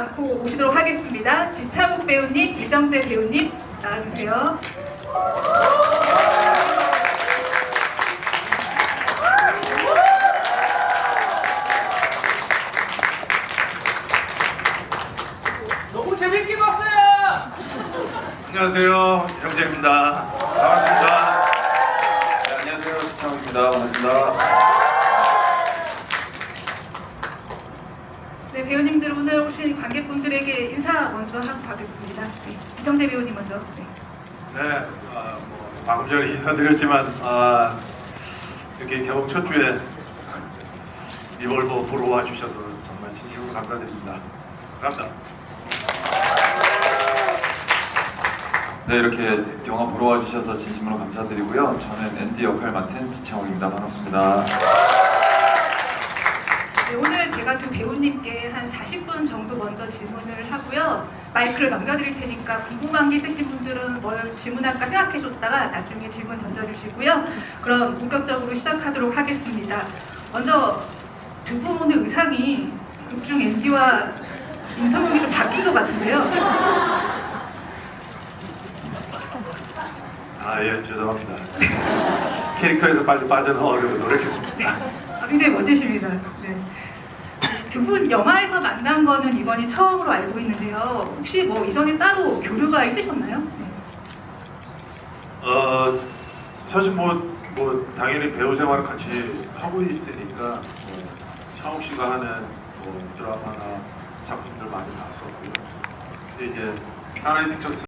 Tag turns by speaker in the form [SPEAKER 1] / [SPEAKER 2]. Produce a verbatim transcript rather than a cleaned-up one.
[SPEAKER 1] 않고 오시도록 하겠습니다. 지창욱 배우님, 이정재 배우님 나와주세요.
[SPEAKER 2] 너무 재밌게 봤어요.
[SPEAKER 3] 안녕하세요, 이정재입니다. 반갑습니다. 네, 안녕하세요, 지창욱입니다. 반갑습니다.
[SPEAKER 1] 네, 배우님들 오늘 오신 관객분들에게 인사 먼저 하고 가겠습니다. 네, 이정재 배우님 먼저. 네.
[SPEAKER 3] 네, 아, 뭐, 방금 전에 인사드렸지만 아, 이렇게 개봉 첫 주에 리볼버 보러 와주셔서 정말 진심으로 감사드립니다. 감사합니다.
[SPEAKER 4] 네, 이렇게 영화 보러 와주셔서 진심으로 감사드리고요. 저는 앤디 역할 맡은 지창욱입니다. 반갑습니다.
[SPEAKER 1] 네, 오늘 제가 두 배우님께 한 사십 분 정도 먼저 질문을 하고요. 마이크를 넘겨드릴 테니까 궁금한 게 있으신 분들은 뭘 질문할까 생각해줬다가 나중에 질문 던져주시고요. 그럼 본격적으로 시작하도록 하겠습니다. 먼저 두 분의 의상이 극중 앤디와 임성욱이 좀 바뀐 것 같은데요.
[SPEAKER 3] 아, 예, 죄송합니다. 캐릭터에서 빨리 빠져나오려고 노력했습니다.
[SPEAKER 1] 아, 굉장히 멋지십니다. 네. 두 분 영화에서 만난 거는 이번이 처음으로 알고 있는데요. 혹시 뭐 이전에 따로 교류가 있으셨나요? 네.
[SPEAKER 3] 어, 사실 뭐, 뭐 당연히 배우 생활을 같이 하고 있으니까 뭐, 창욱 씨가 하는 뭐 드라마나 작품들 많이 봤었고요. 근데 이제 사나이 픽처스